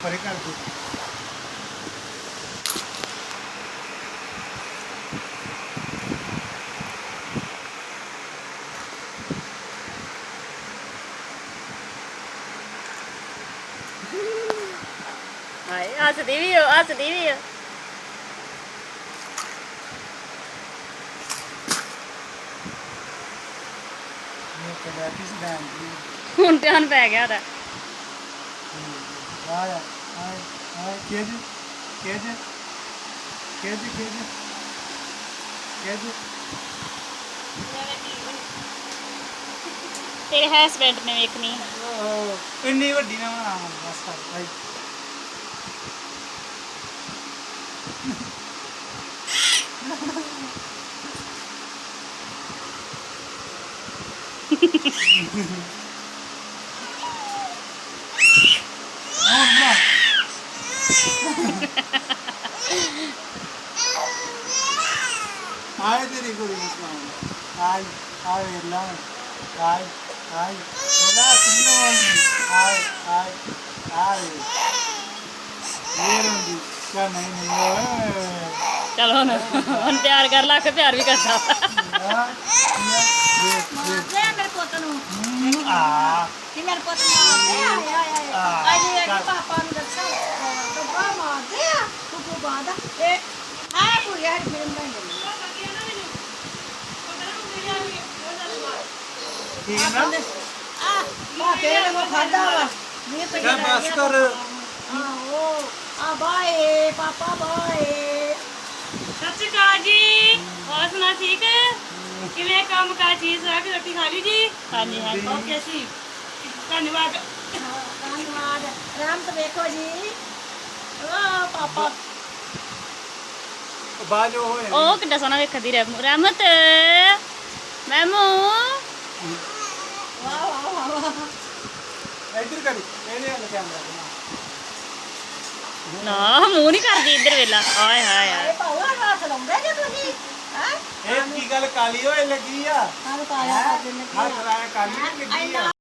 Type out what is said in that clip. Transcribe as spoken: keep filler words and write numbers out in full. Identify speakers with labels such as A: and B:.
A: ਪਰੇ ਕਰ ਦੋ
B: ਹਾਏ ਹੱਸਦੀ ਵੀ ਹੋ ਹੱਸਦੀ ਵੀ ਹੋ
A: ਇਹ ਕਿਹੜਾ ਕਿਸ ਦਾ
B: ਹੁਣ ਧਿਆਨ ਪੈ ਗਿਆ ਉਹਦਾ
A: ਆਇਆ ਆਇਆ ਆਇਆ ਕਿਹਦੇ ਕਿਹਦੇ ਕਿਹਦੇ ਕਿਹਦੇ ਕਿਹਦੇ
B: ਤੇਰੇ ਹਸਬੈਂਡ ਨੇ ਵੇਖਣੀ
A: ਉਹ ਇੰਨੀ ਵੱਡੀ ਨਾ ਬਣਾ ਬਸ ਕਰ ਭਾਈ Oh, no. Ay, diri ko rin mas Ay, ay, lang. Ay, ay. Wala, sino? Ay, ay, ay. Meron di. Siya na yun.
B: ਚਲ ਹੁਣ ਹੁਣ ਪਿਆਰ ਕਰ ਲਾ ਕੇ ਪਿਆਰ ਵੀ ਕਰਦਾ
A: Ah, yes, yes.
C: ਦੇ ਮੇਰੇ ਪੁੱਤ ਨੂੰ
A: Ah.
C: ਕਿ ਮੇਰੇ ਪੁੱਤ ਨੂੰ ਮਾਰਦੇ ਆ ਆਏ ਆਏ
A: Ah.
C: ਆਏ ਇਹ ਪਾਪਾ ਨੂੰ ਦੱਸੋ ਤੂੰ ਬਾ ਮਾਰਦੇ ਆ ਤੂੰ ਕੋ ਬਾਦਾ ਇਹ ਆ ਪੂਰੀ ਹਰ ਮੇਰੇ ਬਣ ਗਈ
A: ਠੀਕ ਨਾ
C: ਆ ਮਾ ਤੇਰੇ ਨੂੰ ਖਾਦਾ ਵਾ ਇਹ ਤੇ
A: ਕਿਆ ਬਸ ਕਰ
C: ਆ ਉਹ ਆ ਬਾਏ ਪਾਪਾ ਬਾਏ
B: ਸਤਿ ਸ਼੍ਰੀ ਅਕਾਲ ਜੀ ਹੋਰ ਸੁਣਾ ਠੀਕ ਕਿਵੇਂ ਕੰਮ ਕਾ ਚੀਜ਼ ਆ ਕੇ ਰੋਟੀ ਖਾ ਲਈ ਜੀ ਹਾਂਜੀ ਹਾਂਜੀ ਓਕੇ ਜੀ ਧੰਨਵਾਦ
C: ਧੰਨਵਾਦ ਰਾਮ ਤੇ ਵੇਖੋ ਜੀ ਓ ਪਾਪਾ
A: ਬਾਜੋ ਹੋਏ
B: ਉਹ ਕਿੱਡਾ ਸੋਹਣਾ ਵੇਖਦੀ ਰਹਿ ਰਹਿਮਤ ਮੈਮੂ
C: ਵਾਹ ਵਾਹ ਵਾਹ
A: ਇੱਧਰ ਕਰੀ ਇਹਨੇ ਵਾਲਾ ਕੈਮਰਾ
B: ਨਾ ਮੂੰਹ ਨਹੀਂ ਕਰਦੀ ਇੱਧਰ ਵੇਲਾ ਹਾਏ ਹਾਏ ਹਾਏ
C: ਇਹ ਪਾਉਆ ਹੱਥ ਲਾਉਂਦੇ ਜੇ ਤੁਸੀਂ ਹੈ
A: ਇਹ ਕੀ ਗੱਲ ਕਾਲੀ ਹੋਏ ਲੱਗੀ ਆ
C: ਸਾਨੂੰ ਪਾਇਆ ਕਰ ਦਿੰਦੇ
A: ਹੱਥ ਰਾਇਆ ਕਾਲੀ ਨੀ ਲੱਗੀ ਆ